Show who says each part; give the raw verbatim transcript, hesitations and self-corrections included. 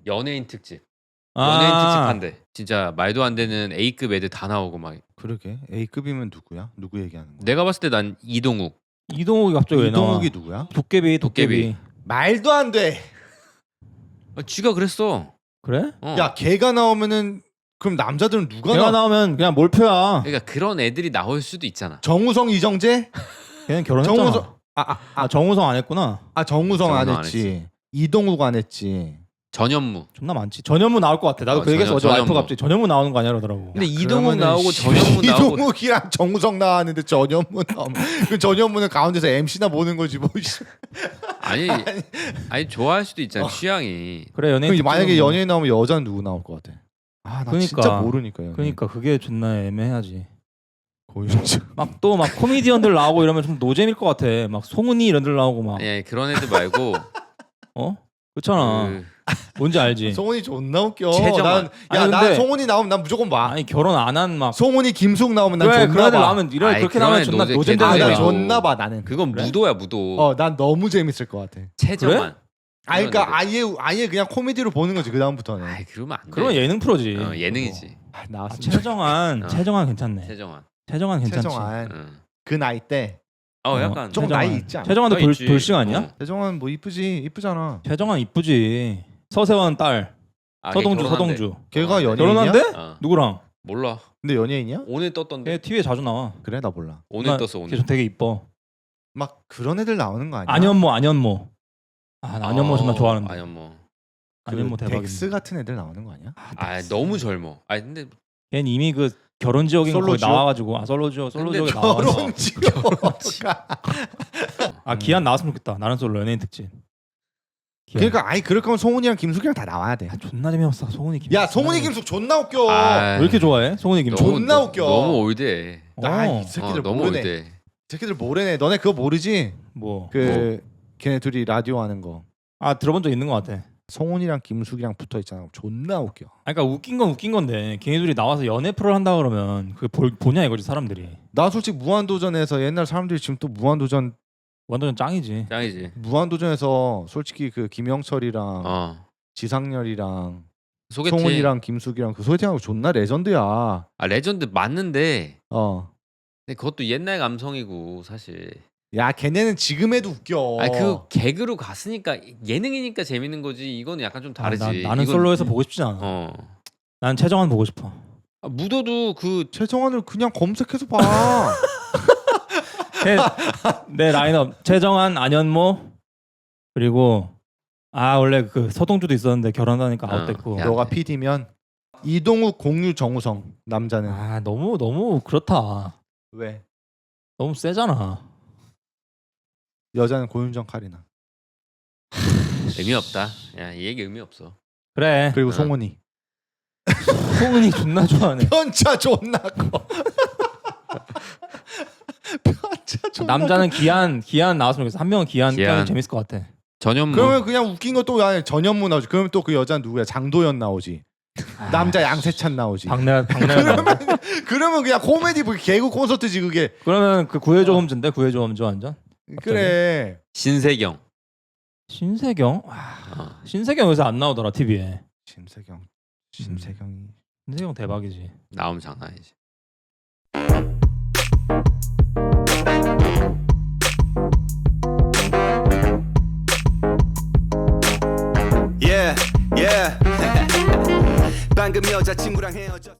Speaker 1: 연예인 특집. 연예인
Speaker 2: 아.
Speaker 1: 특집 한대. 진짜 말도 안 되는 A급 애들 다 나오고 막.
Speaker 3: 그러게. A급이면 누구야? 누구 얘기하는 거야?
Speaker 1: 내가 봤을 때 난 이동욱.
Speaker 2: 이동욱이 갑자기 왜 나와?
Speaker 3: 이동욱이 누구야?
Speaker 2: 도깨비 도깨비.
Speaker 1: 도깨비.
Speaker 3: 말도 안 돼.
Speaker 1: 아, 쥐가 그랬어.
Speaker 2: 그래?
Speaker 1: 어.
Speaker 3: 야, 걔가 나오면은 그럼 남자들은 누가
Speaker 2: 걔가
Speaker 3: 나?
Speaker 2: 나오면 그냥 몰표야.
Speaker 1: 그러니까 그런 애들이 나올 수도 있잖아.
Speaker 3: 정우성, 이정재?
Speaker 2: 걔는 결혼했잖아.
Speaker 3: 정우성. 아, 아,
Speaker 2: 아,
Speaker 3: 아,
Speaker 2: 정우성 안 했구나.
Speaker 3: 아 정우성 안
Speaker 1: 정우성 안
Speaker 3: 했지. 이동욱 안 했지.
Speaker 1: 전현무.
Speaker 2: 존나 많지. 전현무 나올 것 같아. 나도
Speaker 1: 어,
Speaker 2: 그 얘기해서 어제
Speaker 1: 전현-
Speaker 2: 와이프
Speaker 1: 전현무.
Speaker 2: 갑자기 전현무 나오는 거 아니야 그러더라고.
Speaker 1: 근데 이동욱
Speaker 3: 그러면은
Speaker 1: 나오고
Speaker 3: 씨,
Speaker 1: 전현무 나오고.
Speaker 3: 이동욱이랑 정우성 나왔는데 전현무 나오면 그 전현무는 가운데서 엠씨나 보는 거지 뭐.
Speaker 1: 아니 아니 좋아할 수도 있잖아. 취향이.
Speaker 2: 그래 연예인.
Speaker 3: 그럼 만약에
Speaker 2: 특집은 뭐.
Speaker 3: 연예인 나오면 여자는 누구 나올 것 같아? 아, 나
Speaker 2: 그러니까.
Speaker 3: 진짜 모르니까. 연예인.
Speaker 2: 그러니까 그게 존나 애매하지.
Speaker 3: 고윤정.
Speaker 2: 막 또 막 코미디언들 나오고 이러면 좀 노잼일 것 같아. 막 송은이 이런 들 나오고 막.
Speaker 1: 아니, 아니 그런 애들 말고.
Speaker 2: 어? 그렇잖아.
Speaker 1: 그,
Speaker 2: 뭔지 알지?
Speaker 3: 송은이 존나 웃겨.
Speaker 1: 최정환.
Speaker 3: 난, 야,
Speaker 2: 아니,
Speaker 3: 나
Speaker 2: 근데-
Speaker 3: 송은이 나오면 난 무조건 봐.
Speaker 2: 아니 결혼 안 한 막.
Speaker 3: 송은이, 김숙 나오면 난
Speaker 2: 그래
Speaker 3: 존나
Speaker 2: 그런 애들
Speaker 3: 봐.
Speaker 2: 나오면 이런
Speaker 1: 아이,
Speaker 2: 그렇게
Speaker 1: 그런
Speaker 2: 나오면
Speaker 1: 애
Speaker 2: 존나
Speaker 1: 노잼-
Speaker 2: 노잼
Speaker 1: 걔들
Speaker 3: 아,
Speaker 2: 되는
Speaker 3: 나
Speaker 1: 재밌어.
Speaker 2: 애야.
Speaker 3: 존나 봐 나는.
Speaker 1: 그건
Speaker 2: 그래?
Speaker 1: 무도야 무도.
Speaker 3: 어, 난 너무 재밌을 것 같아.
Speaker 1: 최정환.
Speaker 3: 아, 그러니까 아예 아예 그냥 코미디로 보는 거지 그 다음부터는.
Speaker 1: 아이 그러면 안 돼.
Speaker 2: 그러면 예능 프로지.
Speaker 1: 어, 예능이지.
Speaker 3: 아,
Speaker 2: 아,
Speaker 3: 나왔으면
Speaker 2: 최정환,
Speaker 1: 어.
Speaker 2: 최정환 괜찮네.
Speaker 1: 최정환.
Speaker 2: 최정환 괜찮지.
Speaker 3: 최정환
Speaker 1: 응.
Speaker 3: 그 나이 때.
Speaker 1: 어
Speaker 2: 어,
Speaker 1: 약간
Speaker 3: 조금
Speaker 2: 최정환.
Speaker 3: 나이 있지 않아?
Speaker 2: 최정환도
Speaker 1: 어,
Speaker 2: 돌,
Speaker 1: 있지.
Speaker 2: 돌싱 아니야?
Speaker 1: 어.
Speaker 3: 최정환 뭐 이쁘지 이쁘잖아.
Speaker 2: 최정환 이쁘지. 서세원 딸.
Speaker 1: 아, 걔
Speaker 2: 서동주,
Speaker 1: 결혼한대.
Speaker 2: 서동주.
Speaker 3: 걔가
Speaker 1: 어,
Speaker 3: 연예인이야?
Speaker 2: 결혼한대?
Speaker 1: 어.
Speaker 2: 누구랑?
Speaker 1: 몰라.
Speaker 3: 근데 연예인이야?
Speaker 1: 오늘 떴던데.
Speaker 2: 걔 티비에 자주 나와.
Speaker 3: 그래 나 몰라.
Speaker 1: 오늘
Speaker 2: 나-
Speaker 1: 떴어 오늘.
Speaker 2: 걔 되게 이뻐.
Speaker 3: 막 그런 애들 나오는 거 아니야?
Speaker 2: 안현모, 안현모. 아, 나 안현모 존나 좋아하는데.
Speaker 1: 안현모.
Speaker 3: 그
Speaker 2: 안현모 대박이네.
Speaker 3: 덱스 같은 애들 나오는 거 아니야?
Speaker 1: 아 너무 젊어. 아 근데
Speaker 2: 걔는 이미 그 결혼 지역인 거기
Speaker 3: 솔로
Speaker 2: 나와가지고 아 솔로 지역, 솔로
Speaker 1: 근데
Speaker 2: 지역에 나와서.
Speaker 3: 결혼 지옥가.
Speaker 2: 아 기한 나왔으면 좋겠다. 나는 솔로 연예인 특집. 기한.
Speaker 3: 그러니까 아니 그럴 거면 송은이랑 김숙이랑 다 나와야 돼.
Speaker 2: 아, 존나 재미없어. 송은이 김.
Speaker 3: 야 송은이 김숙 존나 웃겨.
Speaker 1: 아,
Speaker 2: 왜 이렇게 좋아해? 송은이 김.
Speaker 1: 너무-
Speaker 3: 존나 웃겨.
Speaker 1: 너무 올드해.
Speaker 3: 나
Speaker 2: 어.
Speaker 3: 이 새끼들
Speaker 1: 어, 너무
Speaker 3: 모르네.
Speaker 1: 올드해.
Speaker 3: 이 새끼들 모르네. 너네 그거 모르지?
Speaker 2: 뭐.
Speaker 3: 그 걔네 둘이 라디오 하는 거.
Speaker 2: 아 들어본 적 있는 것 같아.
Speaker 3: 송은이랑 김숙이랑 붙어 있잖아. 존나 웃겨.
Speaker 2: 아, 그러니까 웃긴 건 웃긴 건데 걔네들이 나와서 연애 프로를 한다 그러면 그게 볼, 보냐 이거지 사람들이.
Speaker 3: 나 솔직히 무한도전에서 옛날 사람들이 지금 또 무한도전
Speaker 2: 완전 짱이지.
Speaker 1: 짱이지.
Speaker 3: 무한도전에서 솔직히 그 김영철이랑
Speaker 1: 어.
Speaker 3: 지상렬이랑
Speaker 1: 소개팅.
Speaker 3: 송은이랑 김숙이랑 그 소개팅하고 존나 레전드야.
Speaker 1: 아 레전드 맞는데.
Speaker 3: 어.
Speaker 1: 근데 그것도 옛날 감성이고 사실.
Speaker 3: 야 걔네는 지금 해도 웃겨.
Speaker 1: 아니 그 개그로 갔으니까 예능이니까 재밌는 거지. 이거는 약간 좀 다르지.
Speaker 2: 아, 나, 는
Speaker 1: 이건-
Speaker 2: 솔로에서 보고 싶지 않아.
Speaker 1: 어.
Speaker 2: 난 최정환 보고 싶어.
Speaker 1: 아, 무도도 그
Speaker 3: 최정환을 그냥 검색해서 봐.
Speaker 2: 내, 내 라인업 최정환, 안현모 그리고 아 원래 그 서동주도 있었는데 결혼하니까
Speaker 1: 어,
Speaker 2: 아웃됐고.
Speaker 1: 야.
Speaker 3: 너가 피디면 이동욱, 공유, 정우성 남자는
Speaker 2: 아 너무 너무 그렇다.
Speaker 3: 왜?
Speaker 2: 너무 세잖아.
Speaker 3: 여자는 고윤정, 카리나
Speaker 1: 의미 없다. 야 이 얘기 의미 없어.
Speaker 2: 그래.
Speaker 3: 그리고
Speaker 1: 어.
Speaker 3: 송은이.
Speaker 2: 송은이 존나 좋아하네.
Speaker 3: 편차 존나 커. 편차 존나
Speaker 2: 남자는 기한 기한 나왔으면 좋겠어. 한 명은 기한
Speaker 1: 기한.
Speaker 2: 기한 재밌을 것 같아.
Speaker 1: 전현무.
Speaker 3: 그러면 그냥 웃긴 것도 아니 전현무 나오지. 그러면 또 그 여자는 누구야? 장도연 나오지. 남자 양세찬 나오지.
Speaker 2: 박래 박래.
Speaker 3: 그러면 그냥 코미디 뭐 개그 콘서트지 그게.
Speaker 2: 그러면 그 구해줘 홈즈인데 구해줘 홈즈 완전.
Speaker 3: 그래.
Speaker 1: 신세경.
Speaker 2: 신세경. 와,
Speaker 1: 어.
Speaker 2: 신세경 요새 안 나오더라 티비에.
Speaker 3: 심세경. 심세경이.
Speaker 2: 신세경 대박이지.
Speaker 1: 나오면 장난 아니지.
Speaker 4: Yeah, yeah. 방금 여자친구랑 헤어졌